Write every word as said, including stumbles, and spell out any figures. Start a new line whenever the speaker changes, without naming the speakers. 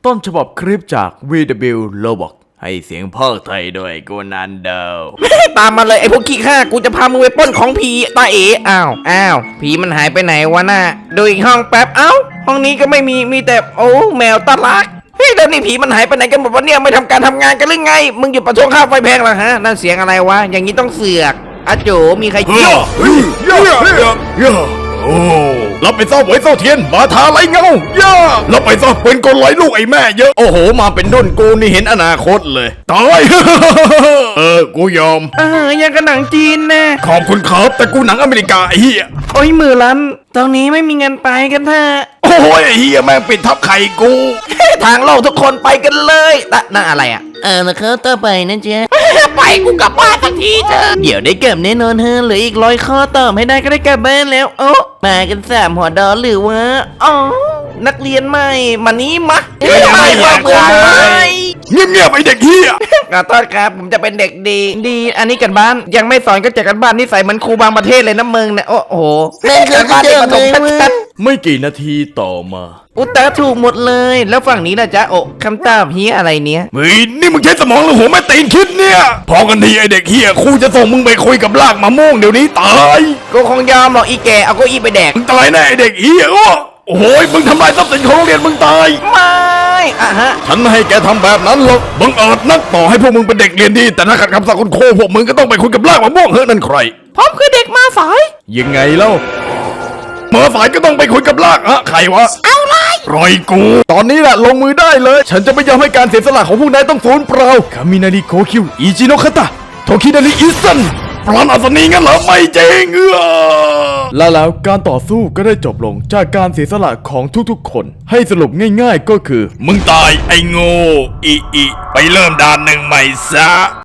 ต้นฉบับคลิปจาก วี ดับเบิลยู Roblox ให้เสียงภาคไทยโดยโกนันเดล
ตามมาเลยไอ้พวกขี้ข้ากูจะพามึงไปปล้นของผีตาเอ๋อ้าวอ้าวผีมันหายไปไหนวะน่ะดูอีกห้องแป๊บเอ้าห้องนี้ก็ไม่มีมีแต่โอ้แมวตาลักเฮ้ยแล้วนี่ผีมันหายไปไหนกันหมดวะเนี่ยไม่ทำการทำงานกันหรือไงมึงหยุดประท้วงค่าไฟแพงเหรอฮะนั่นเสียงอะไรวะอย่างนี้ต้องเสือกอาโจมีใคร
เฮ้ยเฮ้ยเฮ้ยเฮ้ยโอ้รับไปซ่อมไว้เศร้าเทียนบาทาไรเงาย่ารับไปซ่อมเป็นกลร้อยลูกไอ้แม่เยอะโอ้โหมาเป็นด้นกูนี่เห็นอนาคตเลยตายเออกูยอม
เออยังกับหนังจีนนะ
ขอบคุณครับแต่กูหนังอเมริกาไอ้เหี้ย
โอ้ยมือลันตอนนี้ไม่มีเงินไปกันเถอะ
โอ้ยไอ้เหี้ยแม่งปิดทับไข่กู
ทางโลกทุกคนไปกันเลยนะนั่นอะไรอ่ะเออแล้วเขาต่อไปนะเจ๊ไปกูกลับบ้านสักทีเถอะเดี๋ยวได้กลับแน่นอนเฮะเหลืออีกร้อยข้อตอบให้ได้ก็ได้กลับบ้านแล้วโอ้มากันสามหัวดอหรือวะอ๋อนักเรียนใหม่มานี้มา
ไม่อยาก
เบื่อ
ไป
เลย
เงียบๆไอ้เด็กเหี้ย
ขอโทษครับผมจะเป็นเด็กดีดีอันนี้กันบ้านยังไม่สอนก็แจกกันบ้านนิสัยเหมือนครูบางประเทศเลยนะมึงเนี่ยโอ้โห
แม่งคือ
การบ้านเด็กประถม
เดิมเลย
ชัด
ไม่กี่นาทีต่อมา
ๆอุตตะถูกหมดเลยแล้วฝั่งนี้ล่ะจ๊ะโอ้คำตอบเฮียอะไรเนี้ย
เฮ้ยนี่มึงใช้สมองหรือหัวแม่ตีนคิดเนี่ยพอกันทีไอเด็กเฮียครูจะส่งมึงไปคุยกับลากมะม่วงเดี๋ยวนี้ตาย
กูคงยอมหรอกอีแกเอาเก็อีไปแดก
มึงตายแน่ไอเด็กเฮียอ้อโอ้โหมึงทำลายทรัพย์สินของโรงเรียนมึงตาย
ไม่อะฮะ
ฉันไม่ให้แกทำแบบนั้นหรอกบังเอิญนักต่อให้พวกมึงเป็นเด็กเรียนดีแต่ถ้าขัดคำสั่งคุณครูพวกมึงก็ต้องไปคุยกับลากมะม่วงเฮ้ยนั่นใคร
ผมคือเด็กมาสาย
ยังไงเล่าเมื่อสายก็ต้องไปคุยกับลากฮะใครวะเอาเลยปล่อยกู ตอนนี้แหละลงมือได้เลย ฉันจะไม่ยอมให้การเสียสละของพวกนายต้องสูญเปล่าคามินาริโกคิวอิจิโนคาตะโทคินาริอิซันปราณอัศนีงั้นเหรอไม่จริงเออและแล้วการต่อสู้ก็ได้จบลงจากการเสียสละของทุกๆคน ให้สรุปง่ายๆก็คือ มึงตายไอ้โง่อีอีไปเริ่มด่านหนึ่งใหม่ซะ